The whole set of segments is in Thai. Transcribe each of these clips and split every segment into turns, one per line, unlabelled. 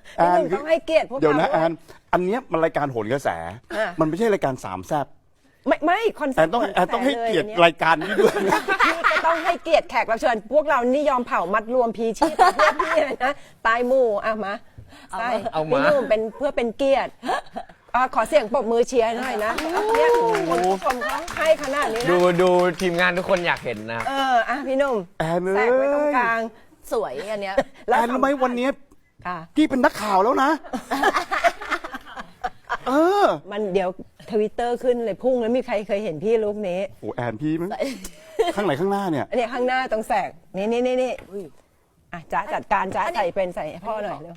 แอน
ต้องให้เกียรติพวกเรา
เดี๋ยวนะแอนอันเนี้ยมันรายการโหนกระแส มันไม่ใช่รายการสามแซ่บ
ไม่คอนเซ็
แอ
ป
น
ต์
ต้องให้เกียรติรายการนี้ด้วย
พี่ก็ต้องให้เกียรติแขกรับเชิญพวกเรานี่ยอมเผามัดรวมพีชีพเพื่อพี่เลยนะตายหมู่มาใช่พี่หนุ่มเป็นเพื่อเป็นเกียรติขอเสียงปรบมือเชียร์หน่อยนะเนี่ยคนผู้ชมเขาให้ขนาดนี้นะ
ดูทีมงานทุกคนอยากเห็นนะครับ
พี่หนุ่ม
แอนเอ้ย
แทรกไว้ตรงกลาง
สวยอันเนี้ย
แอนรู้ไหมวันนี้
ค่ะ
พี่เป็นนักข่าวแล้วนะ
มันเดี๋ยวทวิตเตอร์ขึ้นเลยพุ่งแล้วมีใครเคยเห็นพี่ลุกนี้
โอ้แอนพี่มั้งข้างไหนข้างหน้าเนี่ย
เนี่ยข้างหน้าตรงแสกนี่จ๊ะจัดการจ๊ะใส่ให้พ่อหน่อยเร็ว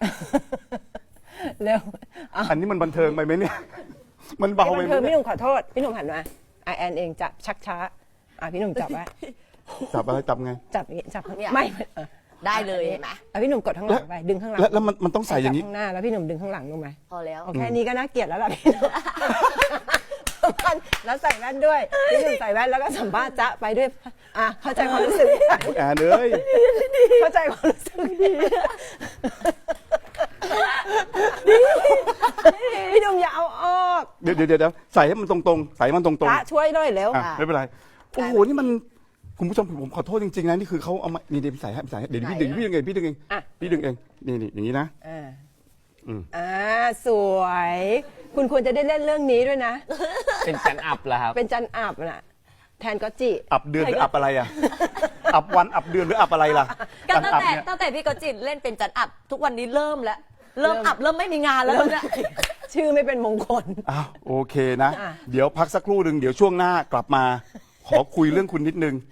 เร็ว
อันนี้มันบันเทิงไปไหมเนี่ย มันเบาไปไหม
พี่หนุ่มขอโทษพี่หนุ่มหันมาแอนเองจะชักช้าพี่หนุ่มจับไว้
จับอะไรจับไง
จับอย่างงี้จับไม่
ได้เลยเห็นไหม
พี่หนุ่มกดข้างหลังไปดึงข้างหลัง
แล้วมันต้องใส่อย่างนี้
ข้างหน้าแล้วพี่หนุ่มดึงข้างหลังลงไหม
พอแล้ว
แค่นี้ก็น่าเกลียดแล้วล่ะพี่หนุ่มแล้วใส่แว่นด้วยพี่หนุ่มใส่แว่นแล้วก็สัมภาษณ์จ๊ะไปด้วยเข้าใจความรู้สึก
แอนเอ้ย
เข้าใจความรู้สึกพี่หนุ่มอย่าเอาออก
เดี๋ยวใส่ให้มันตรงๆใส่ให้มันตรงๆ
จ๊ะช่วยด้วยเร็ว
ไม่เป็นไรโอ้โหนี่มันคุณผู้ชมผมขอโทษจริงๆนะนี่คือเขาเอามานี่เดี๋ยวใส่ให้เดี๋ยวพี่ดึงเองพี่ดึงเองนี่อย่างนี้นะ
สวย คุณควรจะได้เล่นเรื่องนี้ด้วยนะ
เป็นจันอับแล้วครับ
เป็นจันอับน่ะแทนก็จิ
อับเดือนหรืออับอะไรอ่ะอับวันอับเดือนหรืออับอะไรล่ะ
ก็ตั้งแต่พี่กจิตเล่นเป็นจันอับทุกวันนี้เริ่มแล้วเริ่มไม่มีงานแล้วเนี่ย
ชื่อไม่เป็นมงคล
อ้าวโอเคนะ เดี๋ยวพักสักครู่หนึ่งเดี๋ยวช่วงหน้ากลับมาขอคุยเรื่องคุณนิดนึง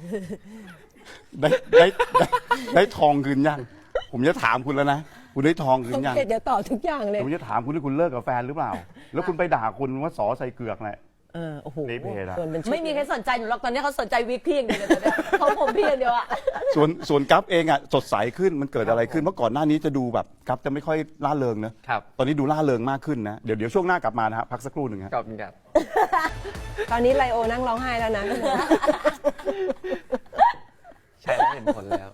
ได้ทองคืนยังผมจะถามคุณแล้วนะคุณได้ทองคืนยัง
เดี๋ยวต่อทุกอย่างเลย
ผมจะถามคุณที่คุณเลิกกับแฟนหรือเปล่า แล้วคุณไปด่าคุณว่าสอใส่เกือกแหละ
โอ้โห
เละเพละ
ไม่มีใครสนใจหนูหรอกตอนนี้เขาสนใจวิกพี่อย่างเดียวเลยตอนนี้เขาผมพี่อย่างเดียวอะ
ส่วนกัฟเองอ่ะสดใสขึ้นมันเกิดอะไรขึ้นเมื่อก่อนหน้านี้จะดูแบบกัฟจะไม่ค่อยล่าเริงนะครับ ตอนนี้ดูล่าเริงมากขึ้นนะเดี๋ยวช่วงหน้ากลับมานะฮะพักสักครู่หนึ่งครับ
ขอบคุณครับ
ตอนนี้ไลโอนั่งร้องไห้แล้วนะ
ใช่แล้วเห็นผลแล้ว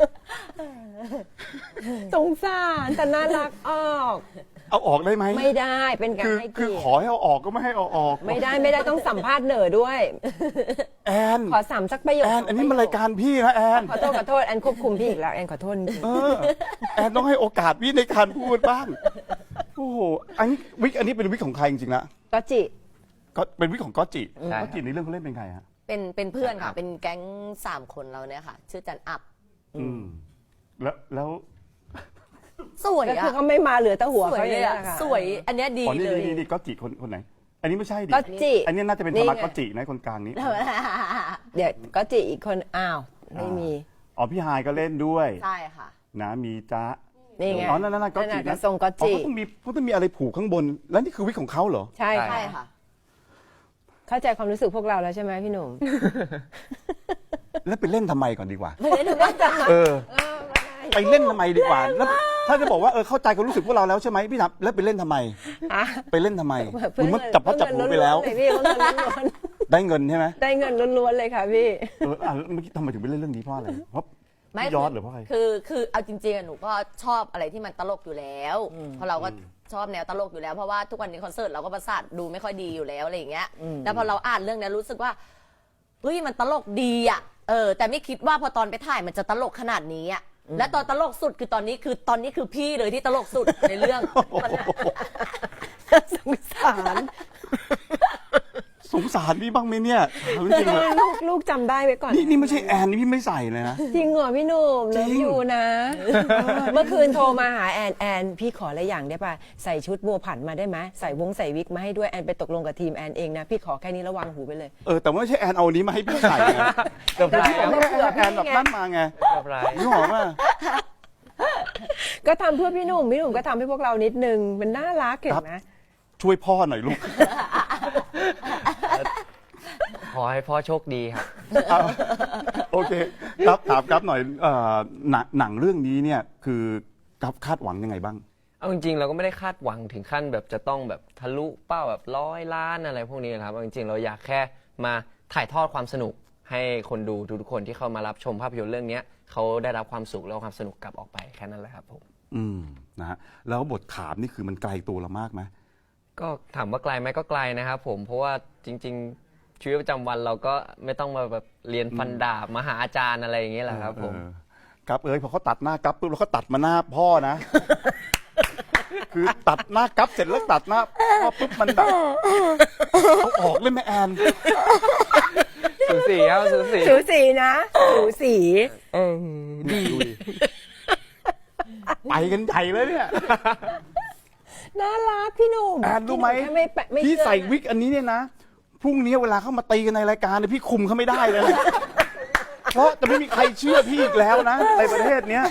สงสารแต่น่ารักออก
เอาออกได้ไหม
ไม่ได้เป็นการให้
คือ
เกียร
ขอ
ติ
ให้เอาออกก็ไม่ให้เอาออก
ไม่ได้ต้องสัมภาษณ์เหนอด้วย
แอน
ขอสามสักประโยค
แอนอันนี้มันรายการพี่นะแอน
ขอโทษแอนควบคุมพี่อีกแล้วแอนขอโทษจริง
แอนต้องให้โอกาสพี่ในการพูดบ้างโอ้โหอันนี้เป็นวิกของใครจริงๆนะ
ก็จิ
ก็เป็นวิกของก๊อตจิ
ใช่
ก๊อตจิในเรื่องเขาเล่นเป็นใครฮะ
เป็นเพื่อนค่ะเป็นแก๊ง3 คนเราเนี่ยค่ะ ชื่อจันอับ
แล้ว
สวย
ก็
อะ
คือเขาไม่มาเหลือแต่หัว
สวย
เขา
เล
เลย
อะ
ค่ะ
สวยอันเนี้ยดี
อ๋อ
เลย
นี่ก๊อตจิคนไหน อันนี้ไม่ใช่ดิ
ก็จิ
อันนี้น่าจะเป็น
นี่
ธรรมะ
ไง
ก๊อตจินะคนกลางนี้
เดี๋ยวก็จิอีกคนไม่มี
อ๋อพี่ฮายก็เล่นด้วย
ใช่ค่ะ
นะมีจ๊ะ
นี่ไง
อ๋อนั่นก๊อตจิ
นั่นน่ะทรงก๊อตจิ
เขาต้องมีอะไรผูกข้างบน แล้วนี่คือวิกของเขาเหรอ
ใช่
ใช่ค่ะ
เข้าใจความรู้สึกพวกเราแล้วใช่ไหมพี่หนุ่ม
แล้วไปเล่นทำไมก่อนดีกว่า
ไม่ได้ดูว่าจะ
ไปเล่นทำไมดีกว่าแล้วถ้าจะบอกว่าเข้าใจความรู้สึกพวกเราแล้วใช่ไหมพี่ทับแล้วไปเล่นทำไม ไปเล่นทำไมมึงมันจับพ่อจับหัวไปแล้ว
เพื่อเงินล้วน
ได้เงินใช่ไหม
ๆได้เงินล้วนๆเลยค่ะพี่
เมื่อกี้ทำไมถึงไปเล่นเรื่องนี้เพราะอะไรเพราะ
ไม่
พี่ยอดหรือเพราะอะไร
คือเอาจริงๆอะหนูก็ชอบอะไรที่มันตลกอยู่แล้วเพราะเราก็ชอบแนวตลกอยู่แล้วเพราะว่าทุกวันนี้คอนเสิร์ตเราก็ประสาทดูไม่ค่อยดีอยู่แล้วอะไรอย่างเงี้ยแล้วพอเราอ่านเรื่องนี้รู้สึกว่าเฮ้ยมันตลกดีอ่ะแต่ไม่คิดว่าพอตอนไปถ่ายมันจะตลกขนาดนี้อ่ะและตอนตลกสุดคือตอนนี้คือพี่เลยที่ตลกสุดในเรื่อง
สงสาร
สงสารพี่บ้างไหมเนี่ยถามจริงๆเลย
ลูกจำได้ไว้ก่อน
นี่ไม่ใช่แอนนี่พี่ไม่ใส่เลยนะ
จริงเหรอพี่หนุ่มเลิฟอยู่นะ เมื่อคืนโทรมาหาแอนพี่ขออะไรอย่างได้ป่ะใส่ชุดบัวผันมาได้ไหมใส่วิกมาให้ด้วยแอนไปตกลงกับทีมแอนเองนะพี่ขอแค่นี้ระวังหูไปเลย
แต่ว่าไม่ใช่แอนเอาอันนี้มาให้พี่ใส่นะ
เกือบไร
ผมไม่ได้แอนแบบนั่นมาไง
เกือบไร
นี่หอมอ่ะ
ก็ทำเพื่อพี่หนุ่มก็ทำให้พวกเรานิดนึงมันน่ารักเห็นไหม
ช่วยพ่อหน่อยลูก
ขอให้พ่อโชคดีครับ
โอเคครับถามครับหน่อยหนังเรื่องนี้เนี่ยคือกับคาดหวังยังไงบ้าง
เอาจริงๆเราก็ไม่ได้คาดหวังถึงขั้นแบบจะต้องแบบทะลุเป้าแบบ100 ล้านอะไรพวกนี้นะครับเอาจริงๆเราอยากแค่มาถ่ายทอดความสนุกให้คนดูทุกคนที่เข้ามารับชมภาพยนตร์เรื่องนี้เขาได้รับความสุขและความสนุกกลับออกไปแค่นั้นแหละครับผม
นะฮะแล้วบทขามนี่คือมันไกลตัวเรามากไหม
ก็ถามว่าไกลไหมก็ไกลนะครับผมเพราะว่าจริง ๆ ชีวิตประจำวันเราก็ไม่ต้องมาแบบเรียนฟันดาบมาหาอาจารย์อะไรอย่างเงี้ยแหละครับผม
กับพอเขาตัดหน้ากับปุ๊บแล้วเขาตัดมาหน้าพ่อนะ คือตัดหน้ากับเสร็จแล้วตัดหน้าพ่อปุ๊บมันแบบเอาออกเลยแม่แอน
สูสีครับสูสี
สูสีนะสูสีดี
ดูดิไปกันใหญ่เลยเนี่ย
น่ารักพี่หนุ่ม
แอนรู้ไหม
พี่นุ่แค่ไม่
พี่
เชื่อ
ใส่วิกอันนี้เนี่ยนะพรุ่งนี้เวลาเข้ามาตีกันในรายการเนี่ยพี่คุมเขาไม่ได้เลยนะเพราะจะไม่มีใครเชื่อพี่อีกแล้วนะในประเทศเนี้ย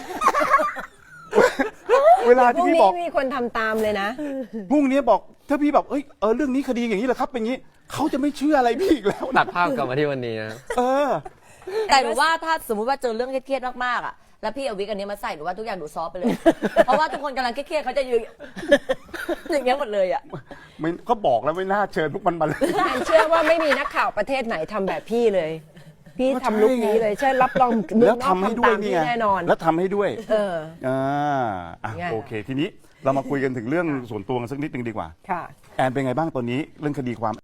เวลา
พ
ที่
รุ่ง
พี่
นี้
บอก
มีคนทำตามเลยนะ
พรุ่งนี้บอกถ้าพี่แบบเรื่องนี้คดีอย่างนี้เหรอครับเป็นอย่างนี้เขาจะไม่เชื่ออะไรพี่อีกแล้ว
ตัดภาพกลับมาที่วันนี้นะ
เออ
แต่หนูว่าถ้าสมมุติว่าเจอเรื่องเครียดๆมากๆอ่ะแล้วพี่เอาวิกอันนี้มาใส่หนูว่าทุกอย่างดูซอฟต์ไปเลย เพราะว่าทุกคนกำลังเครียดๆเขาจะยืน อย่างเงี้ยหมดเลยอ่ะ
ไม่ก็บอกแล้วไม่น่าเชิญพวกมันมาเลย
แอนเชื่อว่าไม่มีนักข่าวประเทศไหนทำแบบพี่เลย พี่ทำลุคนี้เลยใช่รับรองเมื
แล้
อ
ว
งนอก
ทำให้
ทำ
ด้วย
ตาม
นี่
พี่
ไง
แน่นอน
แล้วทำให้ด้วย
เออ ไง
โอเค ทีนี้เรามาคุยกันถึงเรื่องส่วนตัวกันสักนิดนึงดีกว่า
ค่ะ
แอนเป็นไงบ้างตอนนี้เรื่องคดีความ